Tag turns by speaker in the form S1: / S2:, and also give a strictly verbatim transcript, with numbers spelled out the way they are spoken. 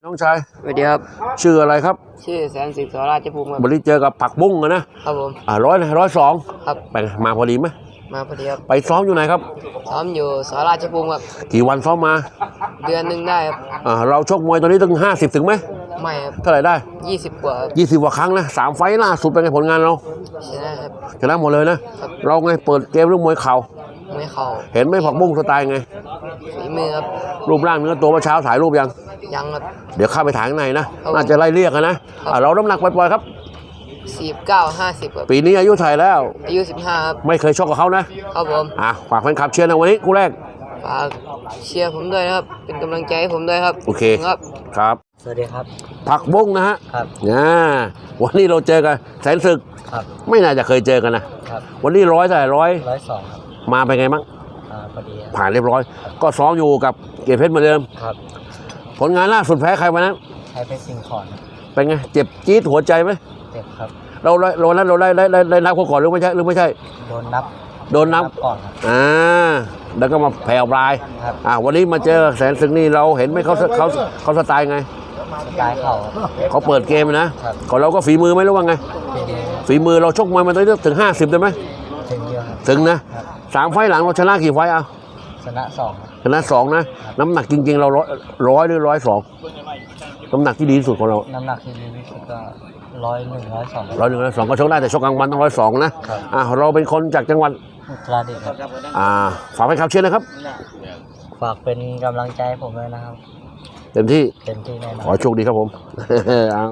S1: น้องชาย
S2: สวัสดีครับ
S1: ชื่ออะไรครับ
S2: ชื่อแสนสิทธิ์สราชภูมิครับ
S1: วันนี้เจอกับผักบุ้งนะครับ
S2: ผม
S1: อ่าร้อยร้อยสอง
S2: ครับ
S1: ไปมาพอดีไหม
S2: มาพอดีครับ
S1: ไปซ้อมอยู่ไหนครับ
S2: ซ้อมอยู่สราชภูมิครับ
S1: กี่วันซ้อมมา
S2: เดือนหนึ่งได้ครับ
S1: อ่าเราชกมวยตอนนี้ตั้งห้าสิบถึงไหม
S2: ไม่ครับ
S1: เท่าไหร่ได้
S2: ยี่สิบกว่าครับ
S1: ยี่สิบกว่าครั้งนะสามไฟล์ล่าสุดเป็นไงผลงานเรา
S2: ชนะครับ
S1: ชนะหมดเลยนะเราไงเปิดเกมเรื่องมวยเข่า
S2: ไม่เข่า
S1: เห็นไหมผักบุ้งสไตล์ไง
S2: ฝีมือครับ
S1: รูปร่างเนื้อตัวเมื่อเช้าถ่ายรูปยัง
S2: ยังครับ
S1: เดี๋ยวเข้าไปถ่ายข้างในนะน่าจะไล่เรียกนะอ่าเราน้ำหนักปล่อยๆครับ
S2: สี่สิบเก้าห้าสิบครับ
S1: ปีนี้อายุเท่าไหร่แล้ว
S2: อายุสิบห้าครับ
S1: ไม่เคยชกกับเขานะครับ
S2: ผม
S1: อ่ะฝากแฟนคลับเชียร์ในวันนี้คู่แรก
S2: ฝากเชียร์ผมด้วยนะครับเป็นกำลังใจให้ผมด้วยครับ
S1: โอเค
S2: ครับ
S1: ครับ
S2: สวัสดีครับ
S1: ผักบุ้งนะฮะ
S2: ครับ
S1: อ่าวันนี้เราเจอกันแสนศึก
S2: ครับ
S1: ไม่น่าจะเคยเจอกันนะครับวันนี้ร้อยเท่าไหร่ร้อย
S2: ร้อยสองครับ
S1: มาเป็นไงบ้าง
S2: อ่าพอดี
S1: ผ่านเรียบร้อยก็ซ้อมอยู่กับเกียรติเพชรเหมือนเดิม
S2: ครับ
S1: ผลงานล่าสุดแพ้ใครวันนั้น
S2: ใช้เป็นสิ่งของ
S1: เป็นไงเจ็บจี๊ดหัวใจไหม
S2: เจ็บครับ
S1: เราเรานั้นเราได้ได้ได้ได้นับเขาก่อนหรือไม่ใช่หรือไม่ใช่
S2: โดนนับ
S1: โดนนับ
S2: ก่อนครับ
S1: อ่าแล้วก็มาแผ่วปลาย
S2: ครับ
S1: อ่าวันนี้มาเจอแสนศึกนี่เราเห็นไหมเขาเขาเขาสไตล์ไง
S2: สไตล์เข่า
S1: เขาเปิดเกมนะครับก่อนเราก็ฝีมือไหมหรือว่าไงฝีมือเราชกมวยมันต้องถึงห้าสิบได้ไหม
S2: ถึงเยอะ
S1: ถึงนะสามไฟล์หลังเราชนะกี่ไฟล์เอา
S2: ชนะสอง
S1: ชนะสองนะน้ำหนักจริงๆเราร้อยร้อยหรือร้อยสองน้ำหนักที่ดีที่สุดของเรา
S2: น้ำหนักที่ดีที่สุดก็ร้อยหนึ่งร้อยสอง
S1: ร้อยหนึ่งร้อยสองก็ชกได้แต่ชกกลางวันต้องร้อยสองนะอ่าเราเป็นคนจากจังหวัด
S2: อุตรดิตถ์ครับ
S1: อ่าฝากให้คำเชื่อนะครับ
S2: ฝากเป็นกำลังใจให้ผมด้วยนะครับ
S1: เต็มที่
S2: เต็มที่แน่นอน
S1: ขอโชคดีครับผม